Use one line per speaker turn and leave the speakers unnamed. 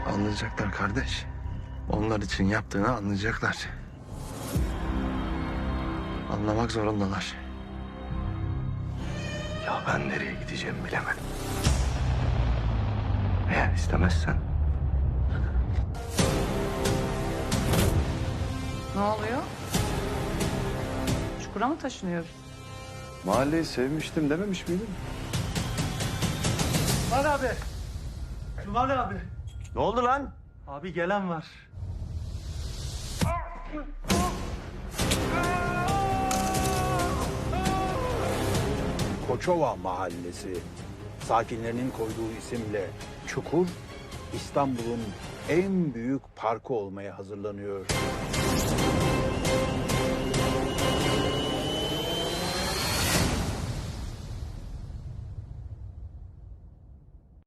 Anlayacaklar kardeş. Onlar için yaptığını anlayacaklar. Anlamak zorundalar.
Ya ben nereye gideceğimi bilemedim. Eğer istemezsen
Ne oluyor? Çukura mı taşınıyoruz?
Mahalleyi sevmiştim dememiş miydim?
Cumali abi. Cumali abi.
ne oldu lan?
Abi gelen var.
Koçova Mahallesi sakinlerinin koyduğu isimle Çukur, İstanbul'un en büyük parkı olmaya hazırlanıyor.